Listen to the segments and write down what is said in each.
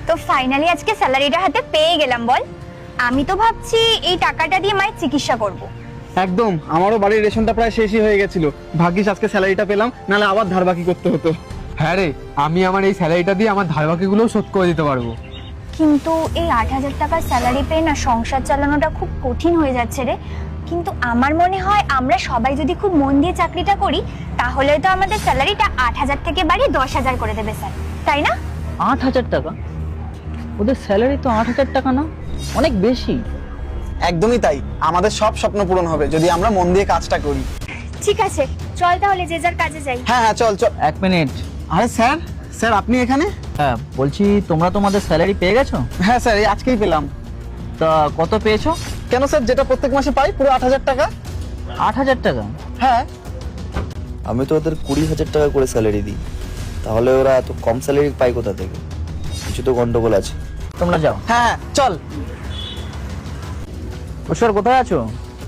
তো ফাইনালি আজকে স্যালারিটা হাতে পেয়ে গেলাম বল। আমি তো ভাবছি এই টাকাটা দিয়ে মায়ের চিকিৎসা করব। একদম, আমারও বাড়ির রেশনটা প্রায় শেষই হয়ে গেছিল। ভাগ্যিস আজকে স্যালারিটা পেলাম, নাহলে আবার ধার বাকি করতে হতো। হ্যাঁ রে, আমি আমার এই স্যালারিটা দিয়ে আমার ধার বাকিগুলোও শোধ করে দিতে পারবো। কিন্তু এই ৮,০০০ টাকার স্যালারি পেয়ে না সংসার চালানোটা খুব কঠিন হয়ে যাচ্ছে রে। কিন্তু আমার মনে হয় আমরা সবাই যদি খুব মন দিয়ে চাকরিটা করি তাহলে তো আমাদের স্যালারিটা ৮,০০০ থেকে বাড়িয়ে ১০,০০০ করে দেবে স্যার, তাই না? ৮,০০০ টাকা? ওদের স্যালারি তো ৮,০০০ টাকা না, অনেক বেশি। একদমই তাই, আমাদের সব স্বপ্ন পূরণ হবে যদি আমরা মন দিয়ে কাজটা করি। ঠিক আছে, চল তাহলে যে যার কাজে যাই। হ্যাঁ হ্যাঁ, চল চল। ১ মিনিট। আরে স্যার, স্যার আপনি এখানে? হ্যাঁ বলছি, তোমরা তোমাদের স্যালারি পেয়ে গেছো? হ্যাঁ স্যার, এই আজকেই পেলাম। তা কত পেয়েছো? কেন স্যার, যেটা প্রত্যেক মাসে পাই পুরো ৮,০০০ টাকা। ৮,০০০ টাকা? হ্যাঁ। আমি তো ওদের ২০,০০০ টাকা করে স্যালারি দিই, তাহলে ওরা এত কম স্যালারি পায় কোথা থেকে? কিছু তো গন্ডগোল আছে। তোমরা যাও। হ্যাঁ চল। ঈশ্বর কোথায় আছো?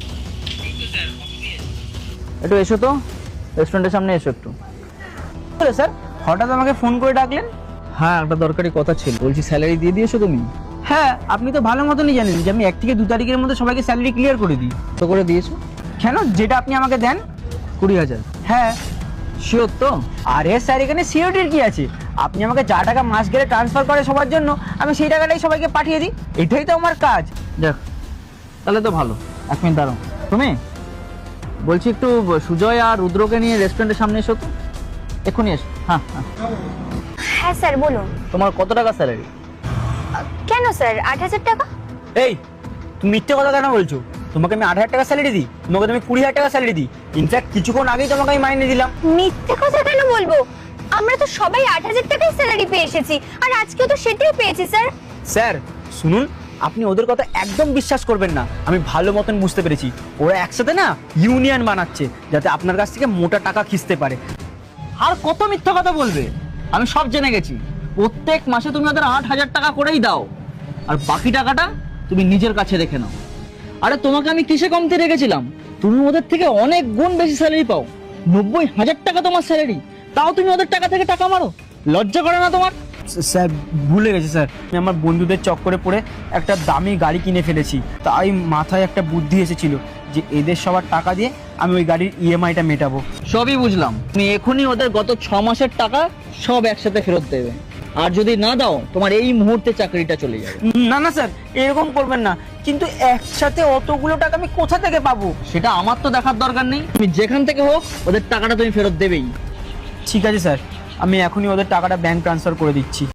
একটু এসো তো, রেস্টুরেন্টের সামনে এসো একটু। স্যার হঠাৎ আমাকে ফোন করে ডাকলেন? হ্যাঁ, একটা দরকারি কথা ছিল। বলছি স্যালারি দিয়ে দিয়েছো তুমি? হ্যাঁ, আপনি তো ভালো মতনই জানেন যে আমি ১ থেকে ২ তারিখের মধ্যে সবাইকে স্যালারি ক্লিয়ার করে দিই। কত করে দিয়েছো? কেন, যেটা আপনি আমাকে দেন। ২০,০০০? হ্যাঁ। শিওর তো? আরে স্যার, এখানে সিওরিটির কি আছে? আপনি আমাকে যা টাকা মাস গেলে ট্রান্সফার করে সবার জন্য, আমি সেই টাকাটাই সবাইকে পাঠিয়ে দিই। এটাই তো আমার কাজ। যাক, তাহলে তো ভালো। ১ মিনিট দাঁড়াও। তুমি বলছি একটু সুজয় আর রুদ্রকে নিয়ে রেস্টুরেন্টের সামনে এসো তো, এক্ষুনি এসো। হ্যাঁ হ্যাঁ। হ্যাঁ স্যার বলুন। তোমার কত টাকা স্যালারি? কেন স্যার ৮,০০০ টাকা? এই, তুমি মিথ্যে কথা কেন বলছো? তোমাকে আমি ৮,০০০ টাকা স্যালারি দিই? তোমাকে তুমি ২০,০০০ টাকা স্যালারি দিই। ইনফ্যাক্ট কিছুক্ষণ আগেই তোমাকে আমি মাইনে দিলাম। মিথ্যে কথা কেন বলবো? আমরা তো সবাই ৮,০০০ টাকাই স্যালারি পেয়ে এসেছি, আর আজকেও তো সেটাই পেয়েছি স্যার। স্যার শুনুন, আপনি ওদের কথা একদম বিশ্বাস করবেন না। আমি ভালো মতন বুঝতে পেরেছি, ওরা একসাথে না ইউনিয়ন বানাচ্ছে যাতে আপনার কাছ থেকে মোটা টাকা খিস্তে পারে। আর কত মিথ্যা কথা বলবে? আমি সব জেনে গেছি। প্রত্যেক মাসে তুমি ওদের ৮,০০০ টাকা করেই দাও, আর বাকি টাকাটা তুমি নিজের কাছে রেখে নাও। আরে তোমাকে আমি কিসে কমতে রেখেছিলাম? তুমি ওদের থেকে অনেক গুণ বেশি স্যালারি পাও। ৯০,০০০ টাকা তোমার স্যালারি, তাও তুমি ওদের টাকা থেকে টাকা মারো। লজ্জা করে না তোমার? স্যার ভুলে গেছি স্যার, আমি আমার বন্ধুদের চক্করে পড়ে একটা দামি গাড়ি কিনে ফেলেছি। তাই মাথায় একটা বুদ্ধি এসেছিল যে এদের সবার টাকা দিয়ে আমি ওই গাড়ির ইএমআইটা মেটাবো। সবই বুঝলাম। তুমি এখনই ওদের গত ৬ মাসের টাকা সব একসাথে ফেরত দেবে, আর যদি না দাও তোমার এই মুহূর্তে চাকরিটা চলে যাবে। না না স্যার, এরকম করবেন না। কিন্তু একসাথে অতগুলো টাকা আমি কোথা থেকে পাবো? সেটা আমার তো দেখার দরকার নেই। তুমি যেখান থেকে হোক ওদের টাকাটা তুমি ফেরত দেবেই। ঠিক আছে স্যার, আমি এখনই ওদের টাকাটা ব্যাংক ট্রান্সফার করে দিচ্ছি।